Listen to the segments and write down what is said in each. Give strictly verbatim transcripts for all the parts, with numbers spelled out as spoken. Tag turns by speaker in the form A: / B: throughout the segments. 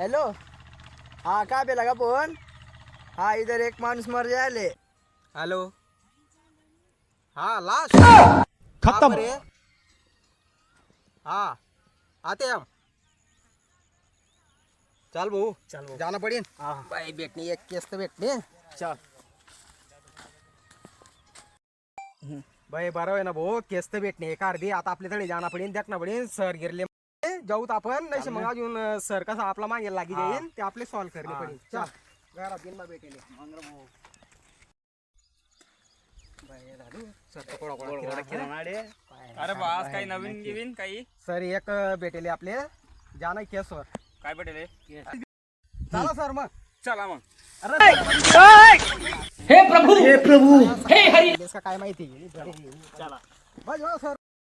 A: Hello. हाँ कहाँ पे लगा फोन? हाँ इधर एक मानुस मर जाए।
B: हेलो। हाँ लाश
C: खत्म।
B: हाँ आते हम। चल बहू
A: चल बहू।
B: जाना पड़ेन।
A: हाँ
B: भाई भेटणी एक केस तर भेटणे.
A: चल।
B: भाई बरं आहे ना भाऊ केस तर भेटणे एक अर्धी आता आपल्याकडे जाना पडेन देखना पडेन सर गिरले जाऊत आपण नाही मग अजून सर कसा आपला मागे लागी जाईल ते आपले सॉल्व करणे पडेल. चल घरात येईन मग भेटेल.
D: अरे बास काही नवीन गिवीन काही
B: सर एक भेटेल आपले जाना केसवर
D: काय भेटेल
B: चला सर मग
D: चला मग.
C: हे प्रभु हे प्रभु हे हरि.
B: इसका काय माहिती
D: चला
B: बस हो सर.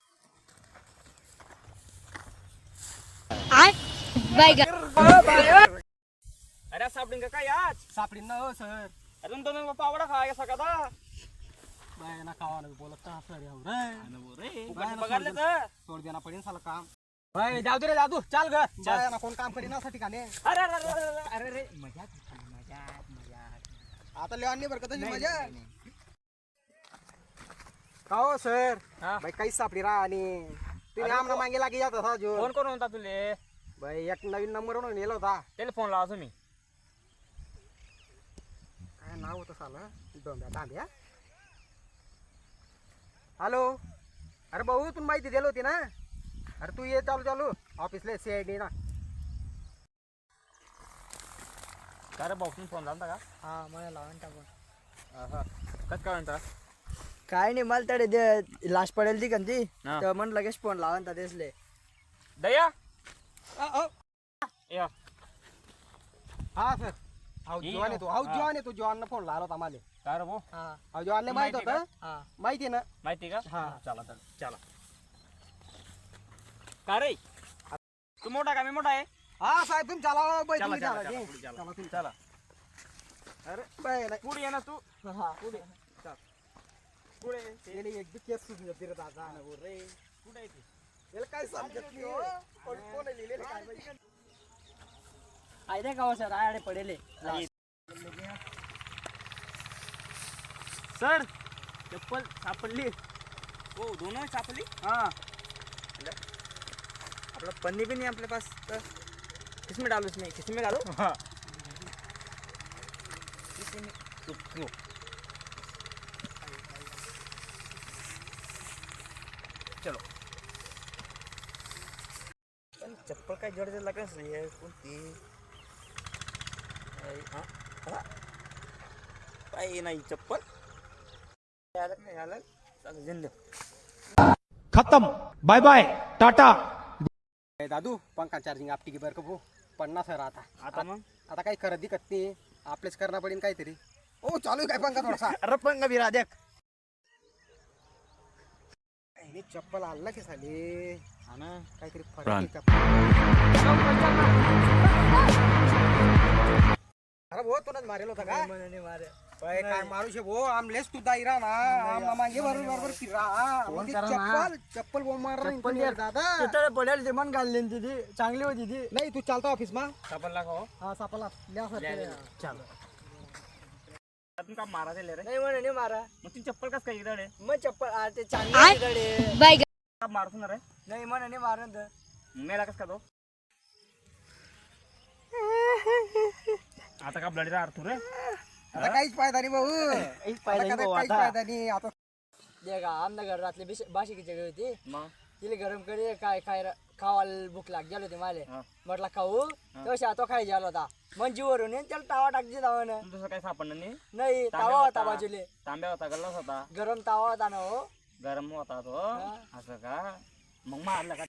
D: अरे सापडीन का काय आज
B: सापडीन ना हो सर.
D: अजून दोन पावडा खा सकाळचा
B: बाय ना खावा बोलत का सर रे
D: पकडले तर
B: सोड देना पडेल साला काम. भाई जाऊ दे रे जाऊ चाल ग जाय ना कोण काम करीन असा ठिकाणी.
D: अरे अरे अरे अरे रे मजा मजा मजा
B: आता लेवानी बरं का तशी मजा का हो सर. भाई काहीच सापडी राहा आणि तुम्ही आमना मागे लागी जात होता जो.
D: फोन करून होता तुले
B: भाई एक नवीन नंबर वरून नेला होता.
D: त्याला फोन लावा तुम्ही
B: काय नाव होतं साला डोंब्या तांब्या. हॅलो. अरे भाऊ तू माहिती दिली होती ना. अरे तू ये चालू चालू ऑफिसला सी आय डी ना.
D: अरे भाऊ फोन झाला का?
A: हाँ मला लावून टाकून.
D: कस काय म्हणता
A: काय नाही मला तडे दे लाश पडेल ती कंती
D: हा.
A: तर म्हण लगेच फोन लावून दिसले.
D: दया
B: हा सर. हाऊ
D: ये
B: जवान येतो हाऊ
D: हा.
B: जवान येतो जवान फोन लावला होता मला.
D: काय रे भाऊ
A: हाँ
B: हाऊ जवानला माहित
D: माहिती
B: होतं.
A: हाँ
B: माहिती ना.
D: माहिती का
B: हा.
D: चला चला चला का रे तू मोठा का मी मोठा आहे
B: हा साहेब तुम्ही चला बाई
D: चला
B: तुम्ही
D: चला
B: चला
D: चला
B: जी.
D: पुढे चला.
B: चला तुम्ही.
D: चला
B: अरे बाई नाही
D: पुढे ये ना तू
A: हाँ
B: पुढे पुढे गेली एक बी केस सुटली होती रे दादा.
D: रे कुठे आहे ती
B: याला काय समजत नाही हो. कोण कोण लिहिलेलं काय माहिती.
A: आयदे का सर आडे पडेले.
D: सर चप्पल सापडली हो दोनों सापडली
A: हाँ अपना पन्नी भी नहीं अपने पास तो किसमें डालूं इसमें किसमें डालूं?
D: हाँ चलो
A: चप्पल काय जड जड लागत नाही आहे कोणती.
D: पाय नाही चप्पल
A: आलं नाही आलं चालेल जिंद.
C: खत्म. Bye bye tata.
B: ए दादू पंखा चार्जिंग आपटी की बरं का भाऊ पन्नास आहे आता.
D: आता मग
B: आता काही करत दिकत नाही आपलेच करणं पडेल काहीतरी. ओ चालू आहे काय पंखा थोडासा.
A: अरे पंग भी रा देख.
B: हे चप्पल आणला की साले.
D: हा ना
B: काहीतरी फरक आहे चप्पल. अरे भाऊ तुलाच मारेल होता का?
A: नहीं मारे.
B: बाय काय मारू शे भाऊ आमलेस तू दाईरा ना आमना मागे बरोबर बरोबर फिरा. म्हणजे
A: करा ना.
B: चप्पल चप्पल बोल मार
A: चप्पल
B: रहा दादा.
A: तिथे पडेल ते मन घालले ती ती चांगली होती ती.
B: नाही तू चालता ऑफिस मा.
D: चप्पल लाखो
B: हा सापला ल्या सर.
A: चल
D: आपण का मारा दिले रे
A: नाही म्हणे नाही मारा.
D: मग ती चप्पल कस काय इकडे
A: मग चप्पल आ, ते चांगली गडे
D: का मारतो ना रे
A: नाही म्हणे नाही मारन तर.
D: मेला कस का तो आता का ब्लड अर्थ रे
B: आता काहीच फायदा नाही भाऊ.
A: एक
B: आता
A: पाहिजे
B: काहीच काहीच फायदा नाही आता.
A: देखा आमना घर रातले बाशी की जगह होती
D: मग
A: तिले गरम करे काय खाय खावायला भूक लाग गेलो होती माले.
D: हा.
A: म्हटलं खाऊ तसा तो खाई गेला होता मंजीवरून येऊन त्याला तावा टाकली तावानं.
D: तुझं काही सापडलं नाही
A: नाही तावा होता बाजूले
D: तांब्या होता गल्लास होता
A: गरम तावा होता ना हो.
D: गरम होता तो असं का मग मारलं का